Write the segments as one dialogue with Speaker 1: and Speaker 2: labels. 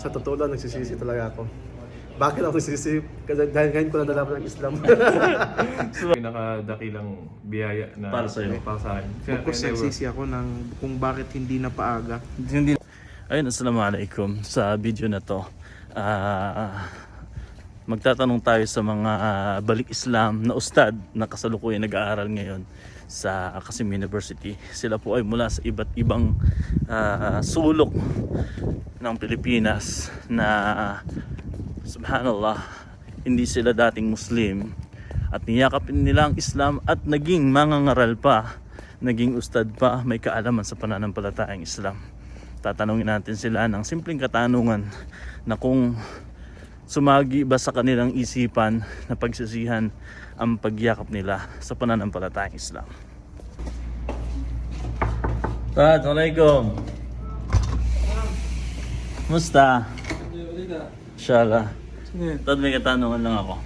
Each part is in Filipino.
Speaker 1: Sa totoo lang, nagsisisi talaga ako. Bakit ako nagsisisi? Kasi dahil ngayon ko na nalaman ng Islam.
Speaker 2: Pinakadakilang biyaya na
Speaker 3: Para sa'yo.
Speaker 2: Para sa akin.
Speaker 4: Focus nagsisi ako ng kung bakit hindi na paaga.
Speaker 3: Hindi. Ayun, assalamualaikum. Sa video na to, magtatanong tayo sa mga balik Islam na ustad na kasalukuyan nag-aaral ngayon sa Qasim University. Sila po ay mula sa iba't ibang sulok ng Pilipinas na subhanallah, hindi sila dating Muslim at niyakapin nila ang Islam at naging mangangaral pa, naging ustad pa, may kaalaman sa pananampalatayang Islam. Tatanungin natin sila ng simpleng katanungan na kung sumagi ba sa kanilang isipan na pagsisihan ang pagyakap nila sa pananampalatayang Islam. Tad, alaikum. Musta? Inshallah. Tad, may katanungan lang ako.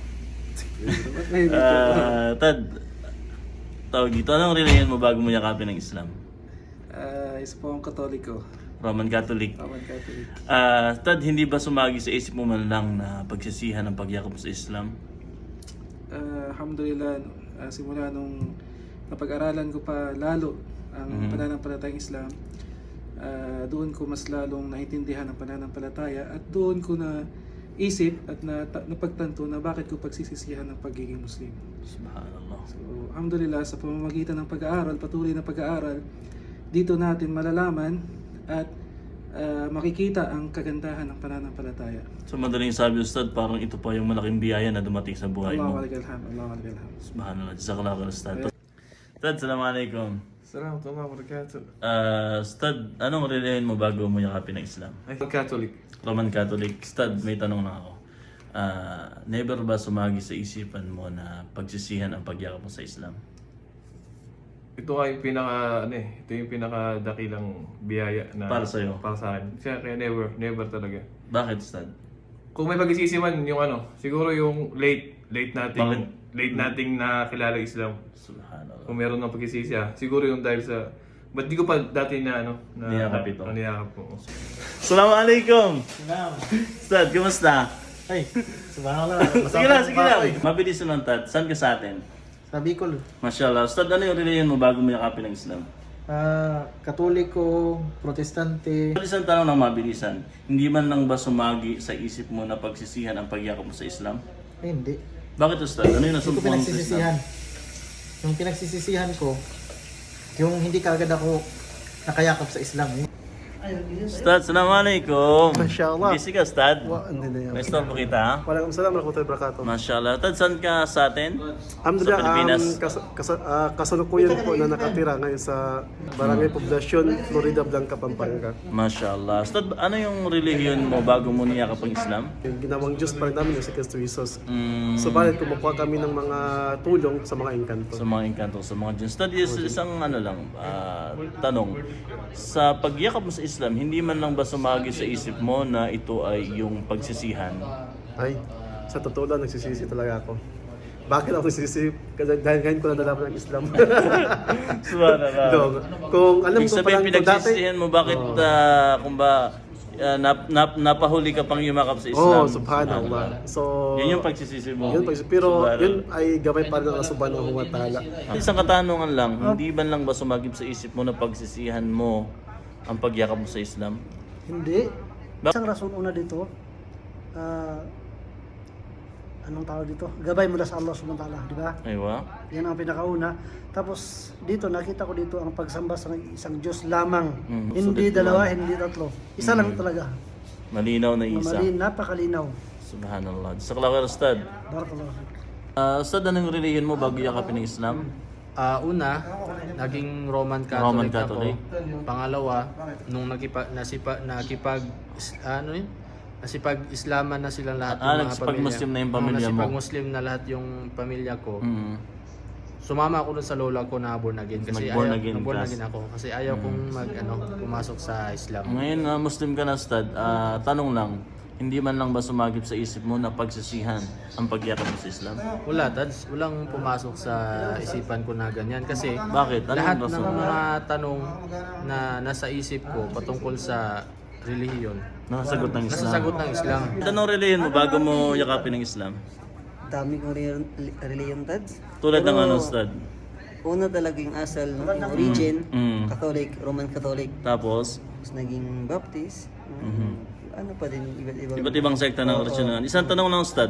Speaker 3: Tad, tawag dito, anong religion mo bago mo yakapin ng Islam?
Speaker 4: Isa po akong Katoliko.
Speaker 3: Roman Catholic.
Speaker 4: Roman Catholic.
Speaker 3: Tad, hindi ba sumagi sa isip mo man lang na pagsisihan ang pagyakap mo sa Islam?
Speaker 4: Alhamdulillah, simula nung napag-aralan ko pa lalo ang pananampalatayang Islam, doon ko mas lalong naintindihan ang pananampalataya at doon ko na isip at napagtanto na bakit ko pagsisisihan ang pagiging Muslim.
Speaker 3: Subhanallah.
Speaker 4: So, alhamdulillah, sa pamamagitan ng pag-aaral, patuloy na pag-aaral, dito natin malalaman at makikita ang kagandahan ng pananampalataya.
Speaker 3: So madaling sabi, Ustad, parang ito pa yung malaking biyaya na dumating sa buhay mo.
Speaker 4: Allahu Akbar, Allahu Akbar.
Speaker 3: Subhanallah. Jazakallahu khair, Ustad. Ustad, assalamualaikum.
Speaker 2: Salamat wa barakatuh.
Speaker 3: Ustad, anong relihiyon mo bago mo yakapin ng Islam?
Speaker 2: Ay, Catholic.
Speaker 3: Roman Catholic. Ustad, may tanong na ako. Never ba sumagi sa isipan mo na pagsisihan ang pagyakap mo sa Islam?
Speaker 2: Ito ay ito yung pinakadakilang biyaya na
Speaker 3: Para sa'yo.
Speaker 2: Para sa akin. Kaya never talaga.
Speaker 3: Bakit, Ustad?
Speaker 2: Kung may pagsisisi man yung siguro yung late
Speaker 3: Bakit?
Speaker 2: nating nakilala Islam.
Speaker 3: Subhanallah.
Speaker 2: Kung meron ng pagsisisi siguro yung dahil sa ba't di ko pa dati na
Speaker 3: Niyakap ito.
Speaker 2: niyakap ko.
Speaker 3: Assalamualaikum. Ustad, kumusta?
Speaker 5: Ay, subhanallah.
Speaker 3: Sige lang. Mabilis lang, Tad. Saan ka sa atin?
Speaker 5: Sa Bicol,
Speaker 3: Mashallah. Ustad, ano yung relihiyon mo bago mo yakapin ng Islam?
Speaker 5: Katoliko, Protestante.
Speaker 3: Isang tanong ng mabilisan. Hindi man lang ba sumagi sa isip mo na pagsisihan ang pagyakap mo sa Islam?
Speaker 5: Ay, hindi.
Speaker 3: Bakit, Ustad? Ano yung
Speaker 5: Hindi ko
Speaker 3: nasumpungan mo sa Islam?
Speaker 5: pinagsisisihan. Yung pinagsisisihan ko, yung hindi kagad ako nakayakap sa Islam.
Speaker 3: Ustad, assalamualaikum.
Speaker 1: Mashallah.
Speaker 3: Busy ka, Ustad?
Speaker 1: Hindi na yan.
Speaker 3: May store po kita, ha?
Speaker 1: Waalaikumsalam warahmatullahi wabarakatuh.
Speaker 3: Mashallah. Tad, saan ka sa atin?
Speaker 1: Alhamdulillah,
Speaker 3: Sa Pilipinas.
Speaker 1: kasalukuyan po na nakatira ngayon sa Barangay Poblacion, Florida Blanca, Pampanga.
Speaker 3: Mashallah. Ustad, ano yung relihiyon mo bago mo niyakap ang Islam?
Speaker 1: Yung ginawang Diyos pa rin namin yung si Kristo Jesus.
Speaker 3: Mm,
Speaker 1: Subalit kumukuha kami ng mga tulong sa mga engkanto.
Speaker 3: sa mga engkanto, sa mga dyan. Ustad, isang tanong. Sa pagyakap mo sa Islam, hindi man lang ba sumagi sa isip mo na ito ay yung pagsisihan?
Speaker 1: Ay, sa totoo lang, nagsisisi talaga ako. Bakit ako nagsisisi? Kasi dahil ngayon ko na nalaman ng Islam.
Speaker 3: Subhanallah.
Speaker 1: Kung alam
Speaker 3: Ibig
Speaker 1: ko pa
Speaker 3: sabihin,
Speaker 1: lang kung dati,
Speaker 3: pinagsisihan mo, bakit napahuli ka pang yumakap sa Islam?
Speaker 1: subhanallah. So,
Speaker 3: Yun yung pagsisisi mo.
Speaker 1: pero
Speaker 3: Subhanallah.
Speaker 1: yun ay gamay pa rin ng Subhanahu wa ta'ala.
Speaker 3: Isang katanungan lang, hindi man lang ba sumagip sa isip mo na pagsisihan mo ang pagyakap mo sa Islam?
Speaker 6: Hindi. Isang rason una dito, anong tawag dito? Gabay mula sa Allah subhanahu wa ta'ala, di ba?
Speaker 3: Aywa.
Speaker 6: Yan ang pinakauna. Tapos dito, nakita ko dito ang pagsamba sa isang Diyos lamang. Hindi
Speaker 3: sulit
Speaker 6: dalawa,
Speaker 3: naman.
Speaker 6: hindi tatlo. Isa lang talaga.
Speaker 3: Malinaw na isa.
Speaker 6: Napakalinaw.
Speaker 3: Subhanallah. Sa kalawar, Ustad.
Speaker 6: Barakallahu fiik.
Speaker 3: Ustad, anong relihiyon mo bago yakapin ng Islam?
Speaker 7: Una, naging Roman Catholic,
Speaker 3: Roman Catholic.
Speaker 7: ako. Pangalawa, nung nasipag-Islaman na silang lahat yung mga
Speaker 3: nagsipag-Muslim na yung pamilya mo.
Speaker 7: Nasipag-Muslim na lahat yung pamilya ko.
Speaker 3: Mm.
Speaker 7: Sumama ako dun sa lola ko na born again kasi
Speaker 3: Nag-born
Speaker 7: ayaw,
Speaker 3: again
Speaker 7: born
Speaker 3: ka.
Speaker 7: again ako kasi ayaw kong pumasok sa Islam.
Speaker 3: Ngayon na Muslim ka na, Ustad, tanong lang, hindi man lang ba sumagip sa isip mo na pagsisihan ang pagyakap mo sa Islam?
Speaker 7: Wala, Tads. Walang pumasok sa isipan ko na ganyan. Kasi
Speaker 3: Bakit? Anong
Speaker 7: lahat
Speaker 3: rason?
Speaker 7: ng mga tanong na nasa isip ko patungkol sa relihiyon.
Speaker 3: Nakasagot ng Islam.
Speaker 7: Nasasagot ng Islam.
Speaker 3: Anong relihiyon mo bago mo yakapin ng Islam?
Speaker 8: Dami kong reliyon, Tads.
Speaker 3: Tulad ng
Speaker 8: Pero,
Speaker 3: ano, Ustad?
Speaker 8: Una talaga yung asal, no? Yung origin,
Speaker 3: Mm.
Speaker 8: Catholic, Roman Catholic.
Speaker 3: Tapos,
Speaker 8: Tapos naging Baptist. Ano pa din, iba't
Speaker 3: iba't ibang sekta ng original. Isang tanong lang, Ustad.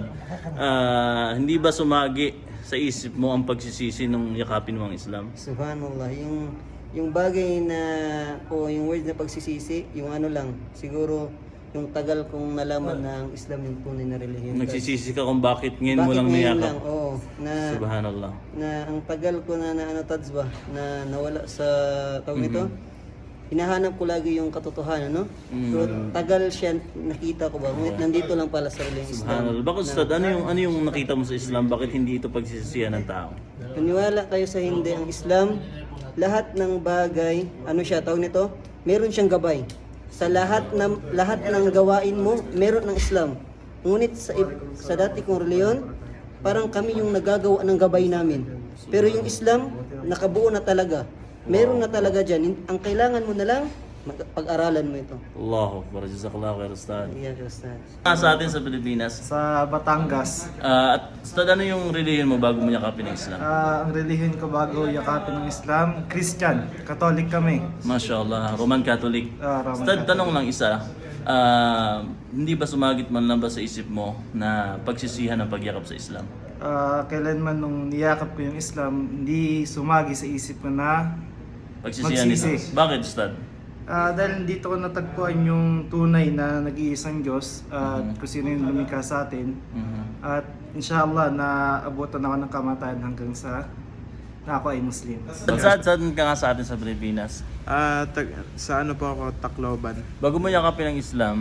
Speaker 3: Hindi ba sumagi sa isip mo ang pagsisisi nung yakapin mo ang Islam?
Speaker 8: Subhanallah, yung bagay na, o yung word na pagsisisi, yung ano lang, siguro, yung tagal kong nalaman na ang Islam yung tunay na relihiyon.
Speaker 3: Nagsisisi ka kung bakit ngayon mo
Speaker 8: Bakit
Speaker 3: lang
Speaker 8: ngayon
Speaker 3: niyakap?
Speaker 8: lang? Oo,
Speaker 3: Subhanallah.
Speaker 8: na ang tagal ko na ano Tads ba, na nawala sa tawag nito. Hinahanap ko lagi yung katotohanan, no? So tagal siya nakita ko ba. Ngunit nandito lang pala sa relihiyong Islam.
Speaker 3: Subhanallah. Bakit, Ustad? Ano yung nakita mo sa Islam? Bakit hindi ito pagsisisihan ng tao?
Speaker 8: Maniwala kayo sa hindi, ang Islam, lahat ng bagay, ano siya, tawag nito, meron siyang gabay. Sa lahat ng gawain mo, meron ng Islam. Ngunit sa dati kong reliyon, parang kami yung nagagawa ng gabay namin. Pero yung Islam, nakabuo na talaga. Meron na talaga dyan. Ang kailangan mo na lang, pag-aralan mo ito.
Speaker 3: Allahu Akbar. Jazakallahu khair, Ustad.
Speaker 8: Iyan, Ustaz.
Speaker 3: Sa atin sa Pilipinas,
Speaker 6: Sa Batangas,
Speaker 3: at Ustad, ano yung relihiyon mo bago mo yakapin ang Islam?
Speaker 6: ang relihiyon ko bago yakapin ng Islam, Christian, Catholic kami.
Speaker 3: Mashallah, Roman Catholic.
Speaker 6: Roman
Speaker 3: Ustad, tanong lang isa. Hindi ba sumagit man lang ba sa isip mo na pagsisihan ang pagyakap sa Islam?
Speaker 6: Kailanman nung niyakap ko yung Islam, hindi sumagi sa isip ko na
Speaker 3: Pagsisihan nito.
Speaker 6: Magsisi.
Speaker 3: Bakit, Ustad?
Speaker 6: dahil dito ko natagpuan yung tunay na nag-iisang Diyos at kung sino yung lumikha sa atin. At inshallah, naabutan ako ng kamatayan hanggang sa na ako ay Muslim.
Speaker 3: Saan ka nga sa atin sa Pilipinas?
Speaker 9: Sa ano po ako, Tacloban.
Speaker 3: Bago mo yakapin ang Islam,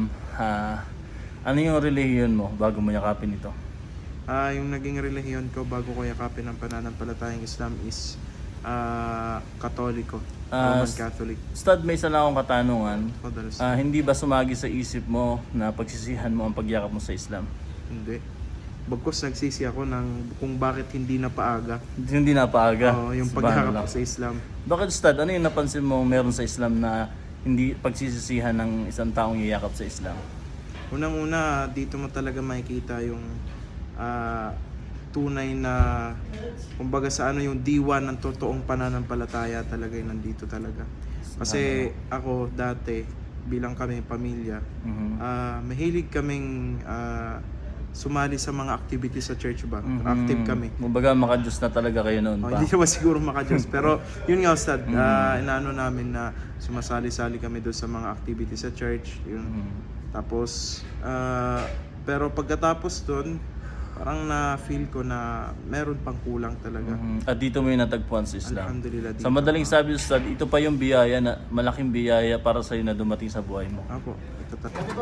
Speaker 3: ano yung relihiyon mo bago mo yakapin ito?
Speaker 9: Yung naging relihiyon ko bago ko yakapin ang pananampalatayang Islam is Katoliko, Roman Catholic.
Speaker 3: Ustad, may isa lang akong katanungan.
Speaker 9: Madalas.
Speaker 3: Hindi ba sumagi sa isip mo na pagsisihan mo ang pagyakap mo sa Islam?
Speaker 9: Hindi. Bagkus nagsisi ako ng kung bakit hindi na paaga.
Speaker 3: Hindi na paaga.
Speaker 9: Oo, yung
Speaker 3: Subhanallah.
Speaker 9: paghakap sa Islam.
Speaker 3: Bakit, Ustad? Ano yung napansin mo meron sa Islam na hindi pagsisisihan ng isang taong yayakap sa Islam?
Speaker 9: Unang-una, dito mo talaga makikita yung tunay na, kumbaga sa ano, yung diwa ng totoong pananampalataya talaga yung nandito talaga. Kasi ako dati, bilang kami pamilya, mahilig kaming sumali sa mga activities sa church ba? Active kami.
Speaker 3: Kumbaga maka-Diyos na talaga kayo noon pa.
Speaker 9: Hindi naman siguro maka-Diyos. Pero yun nga, Ustad, inaano namin na sumasali-sali kami doon sa mga activities sa church. Yun. Tapos, pero pagkatapos doon, parang na-feel ko na meron pang kulang talaga.
Speaker 3: At dito mo yung natagpuan sa Islam.
Speaker 9: Alhamdulillah.
Speaker 3: Sa madaling sabi, Ustad, ito pa yung biyaya na malaking biyaya para sa iyo na dumating sa buhay mo.
Speaker 9: Apo, ito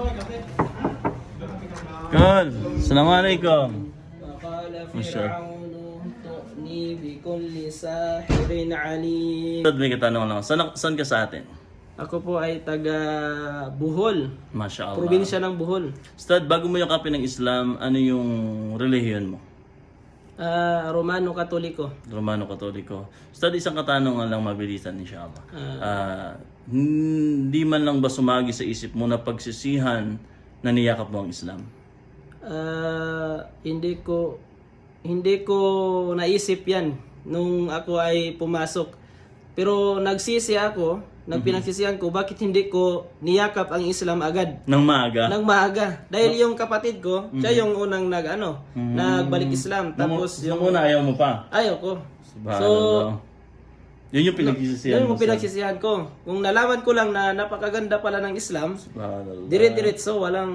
Speaker 3: Good. Assalamualaikum.
Speaker 10: وقال
Speaker 3: Masya.
Speaker 10: فرعون ائتوني بكل ساحر عليم.
Speaker 3: Ustad, may katanungan lang. Saan ka sa atin?
Speaker 10: Ako po ay taga Bohol,
Speaker 3: Masya Allah.
Speaker 10: probinsya ng Bohol.
Speaker 3: Ustad, bago mo yakapin ng Islam, ano yung relihiyon mo?
Speaker 10: Romano Katoliko.
Speaker 3: Romano Katoliko. Ustad, isang katanungan lang mabilisan, inshallah. Hindi man lang ba sumagi sa isip mo na pagsisihan na niyakap mo ang Islam?
Speaker 10: Hindi ko naisip 'yan nung ako ay pumasok. Pero nagsisi ako, nagpinagsisihan ko bakit hindi ko niyakap ang Islam agad.
Speaker 3: Nang maaga?
Speaker 10: Nang maaga. Dahil yung kapatid ko, siya yung unang nagbalik Islam. Tapos
Speaker 3: yung una ayaw mo pa?
Speaker 10: Ayaw ko.
Speaker 3: Subhanallah. Yun yung pinagsisisihan
Speaker 10: Yun
Speaker 3: mo.
Speaker 10: yung pinagsisihan ko. Kung nalaman ko lang na napakaganda pala ng Islam,
Speaker 3: Subhanallah.
Speaker 10: dire-diretso, walang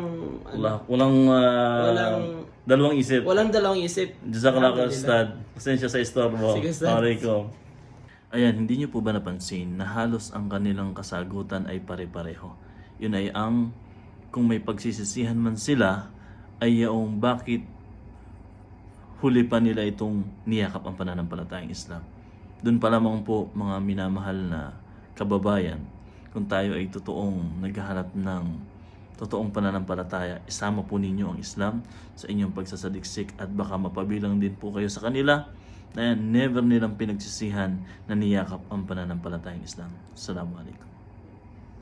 Speaker 3: dalawang isip.
Speaker 10: walang dalawang isip.
Speaker 3: Jazakallah khair, Ustad. Pasensya sa istorbo.
Speaker 10: Sige, Ustad.
Speaker 3: Assalamualaikum. Ayan, hindi niyo po ba napansin na halos ang kanilang kasagutan ay pare-pareho? Yun ay kung may pagsisisihan man sila, ay yung bakit huli pa nila itong niyakap ang pananampalatayang Islam. Doon pa lamang po, mga minamahal na kababayan, kung tayo ay totoong naghahanap ng totoong pananampalataya, isama po ninyo ang Islam sa inyong pagsasaliksik at baka mapabilang din po kayo sa kanila na never nilang pinagsisihan na niyakap ang pananampalatayang Islam. Assalamualaikum.